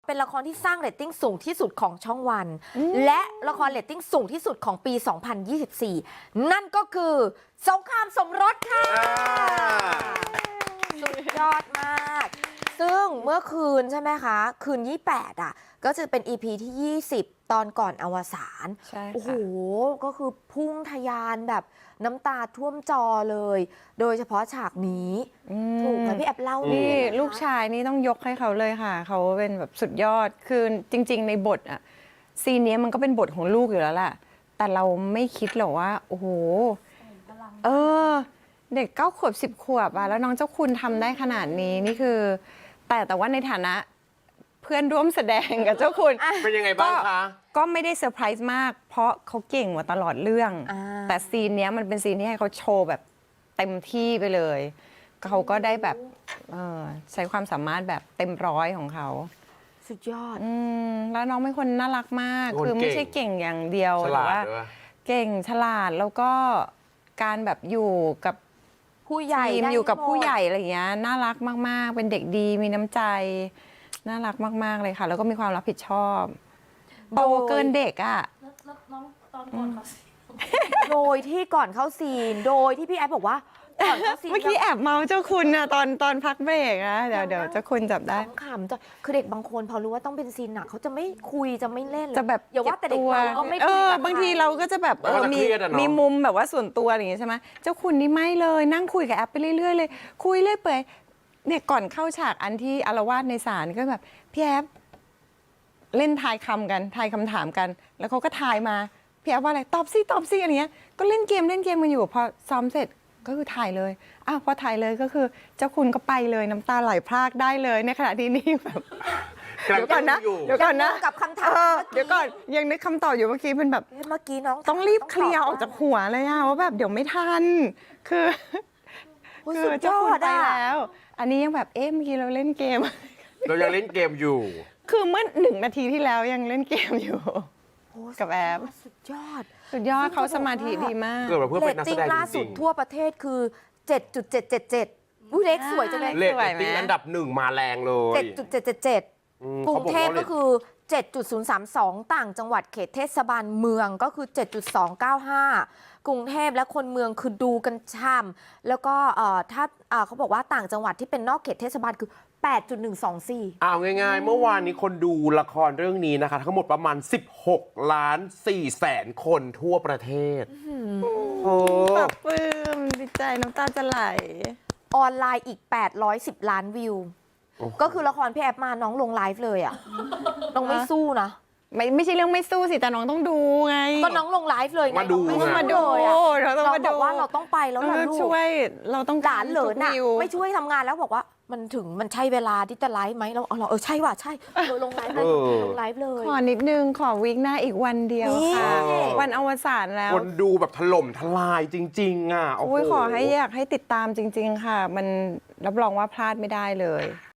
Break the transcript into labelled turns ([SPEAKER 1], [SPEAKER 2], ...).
[SPEAKER 1] เป็นละครที่สร้างเรตติ้งสูงที่สุดของช่องวัน และละครเรตติ้งสูงที่สุดของปี 2024 นั่นก็คือสงครามสมรสค่ะสุดยอดมาก ซึ่งเมื่อคืนใช่ไหมคะ คืน 28 อ่ะ ก็จะเป็น EP ที่ 20 ตอนก่อนอวสาน
[SPEAKER 2] ใช่ค่ะ
[SPEAKER 1] โอ้โห ก็คือพุ่งทะยานแบบน้ำตาท่วมจอเลย โดยเฉพาะฉากนี้ถูกไหมพี่แอบเล่า
[SPEAKER 2] นี่
[SPEAKER 1] นะคะ
[SPEAKER 2] ลูกชายนี่ต้องยกให้เขาเลยค่ะ เขาเป็นแบบสุดยอด คือจริง ๆ ในบทอะซีนนี้มันก็เป็นบทของลูกอยู่แล้วแหละแต่เราไม่คิดหรอกว่า โอ้โห เด็ก9 ขวบ 10 ขวบอะแล้วน้องเจ้าคุณทำได้ขนาดนี้นี่คือ แต่ว่าในฐานะเพื่อนร่วมแสดงกับเจ้าคุณ
[SPEAKER 3] เป็นยังไงบ้างคะ
[SPEAKER 2] ก็ไม่ได้เซอร์ไพรส์มาก เพราะเขาเก่งกว่าตลอดเรื่อง แต่ซีนเนี้ยมันเป็นซีนที่ให้เขาโชว์แบบเต็มที่ไปเลย เขาก็ได้แบบใช้ความสามารถแบบเต็มร้อยของเขา
[SPEAKER 1] สุดยอด
[SPEAKER 2] แล้วน้องเป็นคนน่ารักมาก
[SPEAKER 3] คน
[SPEAKER 2] คือไม่
[SPEAKER 3] เก่ง
[SPEAKER 2] ใช่เก่งอย่างเดียว
[SPEAKER 3] ฉ
[SPEAKER 2] แต่
[SPEAKER 3] ลาด
[SPEAKER 2] ว่า
[SPEAKER 3] ด้วย
[SPEAKER 2] เก่งฉลาดแล้วก็การแบบอยู่กับ
[SPEAKER 1] ผู้ใหญ่
[SPEAKER 2] ทีม
[SPEAKER 1] ได้
[SPEAKER 2] อยู่กับ
[SPEAKER 1] หมด
[SPEAKER 2] ผู้ใหญ่อะไรอย่างเงี้ยน่ารักมากๆ เป็นเด็กดีมีน้ำใจน่ารักมากๆเลยค่ะ แล้วก็มีความรับผิดชอบโตเกินเด็กอ่ะ
[SPEAKER 4] แล้วน้องตอนก่อนเขาสิ
[SPEAKER 1] โดยที่ก่อนเข้าซีน โดยที่พี่แอฟบอกว่าก่อนเข้าซีน
[SPEAKER 2] เมื่อกี้แอบเมาเจ้าคุณนะตอนพักเบรกนะเดี๋ยวเจ้าคุณจับได้
[SPEAKER 1] ขำๆจะคือเด็กบางคนพอรู้ว่าต้องเป็นซีนหนักเขาจะไม่คุยจะไม่เล่นเลย
[SPEAKER 2] จะแบบ
[SPEAKER 1] อย่าว่าแต่เด็ก
[SPEAKER 2] ตัว
[SPEAKER 1] เราก็ไม่คุยกับบ
[SPEAKER 2] างทีเราก็จะแบบ
[SPEAKER 3] เราก็จะ
[SPEAKER 2] มี
[SPEAKER 3] เครียดอะเนาะ
[SPEAKER 2] มีมุมแบบว่าส่วนตัวอะไรอย่างเงี้ยใช่ไหมเจ้าคุณนี่ไม่เลยนั่งคุยกับแอปไปเรื่อยๆเลยคุยเรื่อยเปื่อยเนี่ยก่อนเข้าฉากอันที่อาละวาดในศาลก็แบบพี่แอปเล่นทายคำกันทายคำถามกัน แล้วเขาก็ทายมาพี่แอปว่าอะไรตอบสิอะไรเงี้ยก็เล่นเกมกันอยู่พอซ้อมเสร็จก็คือถ่ายเลยอ้าวพอถ่ายเลยก็คือเจ้าคุณก็ไปเลยน้ำตาไหลพรากได้เลยในขณะที่นี่แบบ
[SPEAKER 3] กำลัง
[SPEAKER 2] เดี๋ยวก่อนนะ
[SPEAKER 3] อยู่
[SPEAKER 2] เดี๋ยวก่อนนะ
[SPEAKER 1] กับคำถาม
[SPEAKER 2] เดี๋ยวก่อนยังนึกคำตอบอยู่เมื่อกี้เป็นแบบ
[SPEAKER 1] เมื่อกี้น้อง
[SPEAKER 2] ต้องรีบเคลียร์ออกจากหัวเลยอะว่าแบบเดี๋ยวไม่ทัน คือ
[SPEAKER 1] โอ้ย
[SPEAKER 2] คื
[SPEAKER 1] สุด
[SPEAKER 2] เจ้าย
[SPEAKER 1] อ
[SPEAKER 2] คุณ
[SPEAKER 1] ด
[SPEAKER 2] ไป
[SPEAKER 1] อ่ะ
[SPEAKER 2] แล้ว อันนี้ยังแบบเมื่อกี้เราเล่นเกม
[SPEAKER 3] เรายังเล่นเกมอยู่
[SPEAKER 2] คือเมื่อ1 นาทีที่แล้วยังเล่นเกมอยู่
[SPEAKER 1] โอ้ย
[SPEAKER 2] กับแอป
[SPEAKER 1] สุดยอด
[SPEAKER 2] สุดยอดเขาสมาธิดีมาก
[SPEAKER 3] เกิดมาเพื่อ
[SPEAKER 1] เร
[SPEAKER 3] เป็น
[SPEAKER 1] ต
[SPEAKER 3] นักแส
[SPEAKER 1] ติ้ง
[SPEAKER 3] ดง
[SPEAKER 1] ล่า
[SPEAKER 3] จ
[SPEAKER 1] สุ
[SPEAKER 3] ริ
[SPEAKER 1] ด
[SPEAKER 3] ง
[SPEAKER 1] ทั่วประเทศคือ 7.777อุ้ยเลขสวยจังเลย
[SPEAKER 3] ๆเลท
[SPEAKER 2] สวยไหม
[SPEAKER 3] ติ้งอันดับ 1 มาแรงเลย
[SPEAKER 1] 7.777
[SPEAKER 3] อืม
[SPEAKER 1] กรุงเทพ
[SPEAKER 3] ขาบอ
[SPEAKER 1] ก็
[SPEAKER 3] ว่า
[SPEAKER 1] คือ 7.032 ต่างจังหวัดเขตเทศบาลเมืองก็คือ 7.295 กรุงเทพและคนเมืองคือดูกันช่ำแล้วก็ถ้าเขาบอกว่าต่างจังหวัดที่เป็นนอกเขตเทศบาลคือ 8.124
[SPEAKER 3] เอาง่ายๆ เมื่อวานนี้คนดูละครเรื่องนี้นะคะ ทั้งหมดประมาณ 16 ล้าน4แสนคนทั่วประเทศโอ้
[SPEAKER 2] ปรับปลื้มดีใจน้ำตาจะไหล
[SPEAKER 1] ออนไลน์อีก 810 ล้านวิว ก็คือละครพี่แอฟมาน้องลงไลฟ์เลยอ่ะ น้องไม่สู้นะ
[SPEAKER 2] ไม่ใช่เรื่องไม่สู้สิแต่น้องต้องดูไง
[SPEAKER 1] ก็น้องลงไลฟ์เลยไง
[SPEAKER 3] มาดู
[SPEAKER 1] น้อง
[SPEAKER 3] ไง
[SPEAKER 1] ไม่
[SPEAKER 2] มาดู
[SPEAKER 1] เลยอะ
[SPEAKER 2] เราต้อง
[SPEAKER 1] เรา
[SPEAKER 2] มา
[SPEAKER 1] บ
[SPEAKER 2] ดู
[SPEAKER 1] อกว่าเราต้องไปแล้วล่ะลูก
[SPEAKER 2] ช่วยเราต้อง
[SPEAKER 1] หลานเหลินน่ะ
[SPEAKER 2] วิว
[SPEAKER 1] ไม่ช่วยทำงานแล้วบอกว่ามันใช่เวลาที่จะไลฟ์ไหมเราใช่ว่ะใช่ลงไลฟ์เลยลงไลฟ์เลย
[SPEAKER 2] ขอนิดนึงขอวีคหน้าอีกวันเดียวค่ะ
[SPEAKER 1] นี่
[SPEAKER 2] วันอวสานแล้ว
[SPEAKER 3] คนดูแบบถล่มทลายจริง ๆ อ่ะโอ้โห
[SPEAKER 2] ขอให้อยากให้ติดตามจริง ๆ ค่ะ มันรับรองว่าพลาดไม่ได้เลย